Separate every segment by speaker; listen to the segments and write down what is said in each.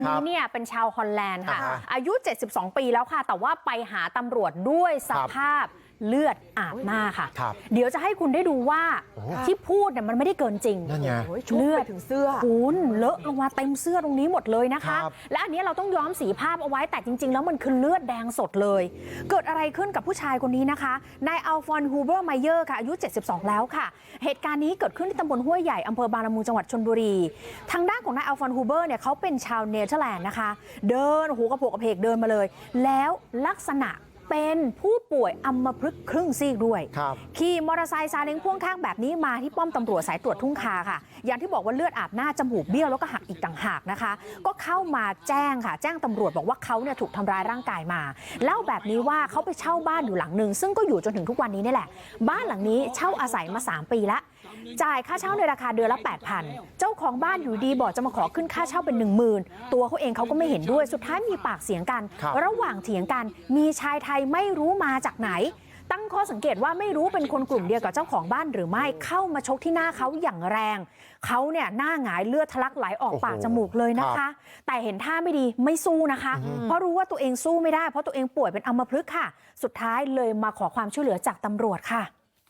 Speaker 1: นี้เนี่ยเป็นชาวฮอลแลนด์ค่ะอายุ 72 ปีแล้วค่ะแต่ว่าไปหาตำรวจด้วยสภาพเลือดอาบหน้าค่ะเดี๋ยวจะให้คุณได้ดูว่าที่พูดเนี่ยมันไม่ได้เกินจริงเลือดถึงเสื้อคุณเลอะลงมาเต็มเสื้อตรงนี้หมดเลยนะคะและอันนี้เราต้องย้อมสีภาพเอาไว้แต่จริงๆแล้วมันคือเลือดแดงสดเลยเกิดอะไรขึ้นกับผู้ชายคนนี้นะคะนายอัลฟอนฮูเบอร์ไมเยอร์ค่ะอายุ 72 แล้วค่ะเหตุการณ์นี้เกิดขึ้นที่ตำบลห้วยใหญ่อำเภอบางละมุงจังหวัดชลบุรีทางด้านของนายอัลฟอนฮูเบอร์เนี่ยเขาเป็นชาวเนเธอร์แลนด์นะคะเดินหูกระโปกกระเพกเดินมาเลยแล้วลักษณะเป็นผู้ป่วยอัมพฤกษ์ครึ่งซีกด้วยขี่มอเตอร์ไซค์ซาเล้งพ่วงข้างแบบนี้มาที่ป้อมตำรวจสายตรวจทุ่งคาค่ะอย่างที่บอกว่าเลือดอาบหน้าจมูกเบี้ยวแล้วก็หักอีกต่างหากนะคะก็เข้ามาแจ้งค่ะแจ้งตำรวจบอกว่าเขาเนี่ยถูกทำร้ายร่างกายมาเล่าแบบนี้ว่าเขาไปเช่าบ้านอยู่หลังนึงซึ่งก็อยู่จนถึงทุกวันนี้นี่แหละบ้านหลังนี้เช่าอาศัยมา3 ปีแล้วจ่ายค่าเช่าในราคาเดือนละ 8,000 เจ้าของบ้านอยู่ดีบอกจะมาขอขึ้นค่าเช่าเป็น 10,000 ตัวเขาเองเขาก็ไม่เห็นด้วยสุดท้ายมีปากเสียงกันระหว่างเถียงกันมีชายไทยไม่รู้มาจากไหนตั้งข้อสังเกตว่าไม่รู้เป็นคนกลุ่มเดียวกับเจ้าของบ้านหรือไม่เข้ามาชกที่หน้าเขาอย่างแรงเขาเนี่ยหน้าหงายเลือดทะลักไหลออกปากจมูกเลยนะคะแต่เห็นท่าไม่ดีไม่สู้นะคะเพราะรู้ว่าตัวเองสู้ไม่ได้เพราะตัวเองป่วยเป็นอัมพฤกษ์ค่ะสุดท้ายเลยมาขอความช่วยเหลือจากตำรวจค่ะ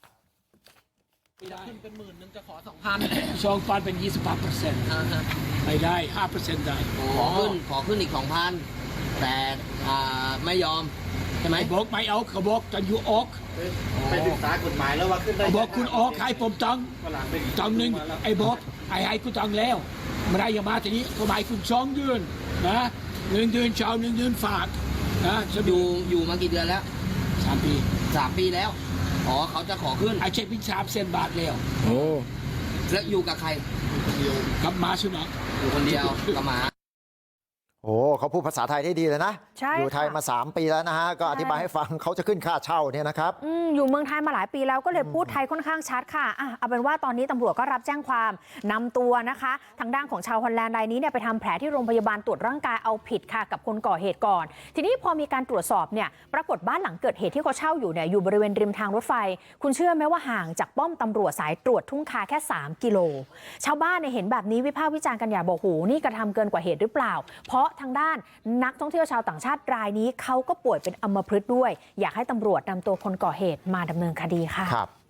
Speaker 2: ขึ้นเป็น10,000จะขอ2,000เป็น25%ไม่ได้5%ได้
Speaker 3: ขอขึ้นอีก 2,000 แต่ไม่ยอมใช่ไหม
Speaker 2: บอกไม่เอาเขาบอกจะอยู่ออก
Speaker 4: ไปศึกษากฎหมายแล้วว่าขึ้นได้
Speaker 2: บอกคุณออกให้ผมตังหนึ่งไอ้บอกให้คุณตังแล้วไม่ได้อย่ามาทีนี้เขาหมายคุณ2 เดือนนะ1 เดือนเช้า1 เดือนฝากนะ
Speaker 3: อยู่มากี่เดือนแล้ว
Speaker 2: 3 ปี
Speaker 3: 3 ปีแล้วเขาจะขอขึ้น
Speaker 2: ไอ้เช็คพิชา3 บาทแล้ว
Speaker 3: แล้วอยู่กับใคร
Speaker 2: กับมาสุนัข
Speaker 3: อยู่คนเดียวกับหมา
Speaker 5: โอ้เขาพูดภาษาไทยได้ดีเลยนะอยู่ไทยมา3 ปีแล้วนะฮะก็อธิบายให้ฟังเขาจะขึ้นค่าเช่าเนี่ยนะครับ
Speaker 1: อยู่เมืองไทยมาหลายปีแล้วก็เลยพูดไทยค่อนข้างชัดค่ะเอาเป็นว่าตอนนี้ตำรวจก็รับแจ้งความนำตัวนะคะทางด้านของชาวฮอลแลนด์รายนี้เนี่ยไปทำแผลที่โรงพยาบาลตรวจร่างกายเอาผิดค่ะกับคนก่อเหตุก่อนทีนี้พอมีการตรวจสอบเนี่ยปรากฏบ้านหลังเกิดเหตุที่เขาเช่าอยู่เนี่ยอยู่บริเวณริมทางรถไฟคุณเชื่อไหมว่าห่างจากป้อมตำรวจสายตรวจทุ่งคาแค่3 กิโลชาวบ้านเนี่ยเห็นแบบนี้วิพากษ์วิจารณ์กันอย่างบอกโหนี่กระทำเกินกว่าเหตุหรือเปล่าเพราะทางด้านนักท่องเที่ยวชาวต่างชาติรายนี้เขาก็ป่วยเป็นอัมพฤกษ์ด้วยอยากให้ตำรวจนำตัวคนก่อเหตุมาดำเนินคดีค่ะ